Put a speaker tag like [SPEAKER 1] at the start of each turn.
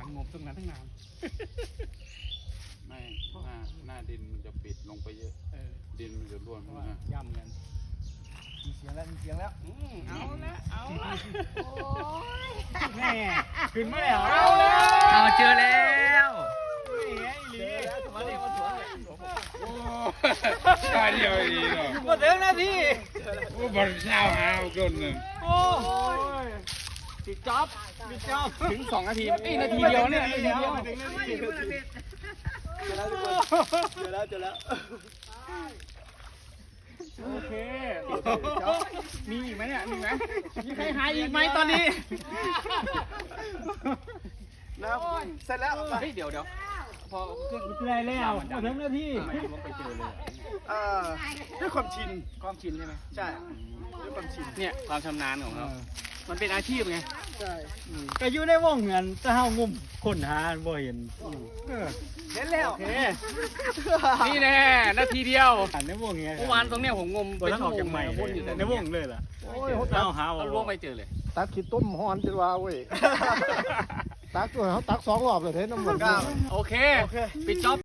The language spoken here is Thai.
[SPEAKER 1] งมตรงนั้นตั้งนาน
[SPEAKER 2] ไม่หน้าดินมันจะปิดลงไปเยอะดินมันจะร่วนนะ
[SPEAKER 1] ย่ำกัน
[SPEAKER 3] มีเสียงแล้วมีเสียงแล้ว
[SPEAKER 1] เอาละเอาละ
[SPEAKER 4] โอ้ย
[SPEAKER 1] แม่ขึ้นมาแล้ว
[SPEAKER 5] เอาเจอแล้ว
[SPEAKER 1] นี่ไงลี
[SPEAKER 3] มาเรียกมาสวนเลย
[SPEAKER 2] โอ้ตายเดียวดีเนาะ
[SPEAKER 1] มาถึงนาที
[SPEAKER 2] โอ้บอลเช้าหาจนเลย
[SPEAKER 1] โอ้ยปิดจ็อบปิดจ็อบถึง2 นาทีนาทีเดียวเนี่ยนาทีเดียวถึงนาทีเดียว
[SPEAKER 3] เจอแล้วทุกคนเจอแล้ว
[SPEAKER 1] โอเคมีอีกไหมเนี่ยมีไหมมีใครหายอีกไหมตอนนี้
[SPEAKER 3] นะครับเสร็จแล้ว
[SPEAKER 1] เฮ้ยเดี๋ยวพอขึ้นเลยแล้วมาถึงนาทีลงไปเจอเลย
[SPEAKER 3] ด้วยความชิน
[SPEAKER 1] ความชินใช่ไหม
[SPEAKER 3] ใช่ด้วยความชิน
[SPEAKER 1] เนี่ยความชำนาญของเรามันเป็นอาชีพไง
[SPEAKER 3] ใช่
[SPEAKER 6] ก็อยู่ในวงเงินถ้าเฮางุ่มคนหาบ่เห็น
[SPEAKER 3] เห็นแล้ว
[SPEAKER 1] โอเคนี่แน่นาทีเดียว
[SPEAKER 6] อันในวงเงี้ย
[SPEAKER 1] เมื่อวานตรงเนี้ยผมงม
[SPEAKER 6] ตัวนั้นออกจากใหม่
[SPEAKER 1] วนอยู่แต่
[SPEAKER 6] ในวงเลยล่ะ
[SPEAKER 3] โอ้ย
[SPEAKER 6] เอาหา
[SPEAKER 1] เราล่วงไปเจอเลย
[SPEAKER 7] ตักขี้ต้มฮอนจนว่าเว้ย ตักตัวเขาตัก2 รอบเลยเท่น้ำมัน
[SPEAKER 1] โอเคปิดจ็อบ